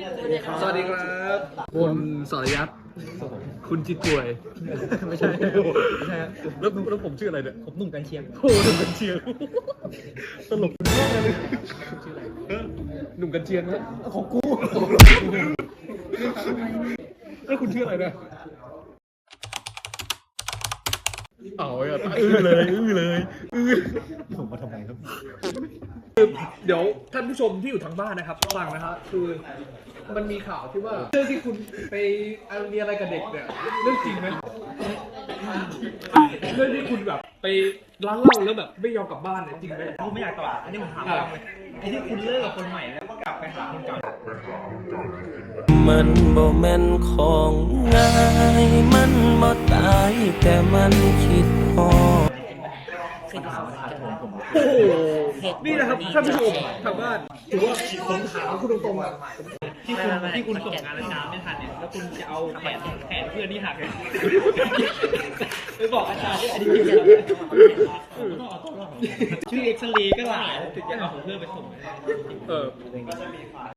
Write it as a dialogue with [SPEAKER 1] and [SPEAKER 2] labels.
[SPEAKER 1] สวัสดีครับคุณสรยัตคุณจิตป่วยไม่ใช่แล้วผมชื่ออะไรเนี่ยผมหนุ่มกันเชียงโอ้หนุ่มกันเชียงตลกมากเลยหนุ่มกันเชียงนะของกูแล้วคุณชื่ออะไรเนี่ยเอาอ่ะเลยผมมาทำไมครับเดี๋ยวท่านผู้ชมที่อยู่ทางบ้านนะครับฟังนะครับคือมันมีข่าวที่ว่าเรื่องที่คุณไปมีอะไรกับเด็กเนี่ยเรื่องจริงไหมเรื่องที่คุณแบบไปร้านเหล้าแล้วแบบไม่ยอมกลับบ้านเนี่ยจริงไหมผมไม่อยากตอบอันนี้ผมถามเลยไอ้ที่คุณเลิกกับคนใหม่แล้วก็กลับไปหาคนเก่า
[SPEAKER 2] มันบ่แม่นของง่ายมันบ่ตายแต่มันคิดพอ
[SPEAKER 1] โอ้โหนี่นะครับท่านผู้ชมทางบ้านถือว่าผมถามคุณตรงๆอ่ะที่คุณส่งงานอาจารย์ไม่ทันเนี่ยแล้วคุณจะเอาแขนเพื่อนที่หักไปบอกอาจารย์ที่อันนี้จริงชื่อเอ็กซเรย์ก็หลายถึงจะเอาของเพื่อนไปส่ง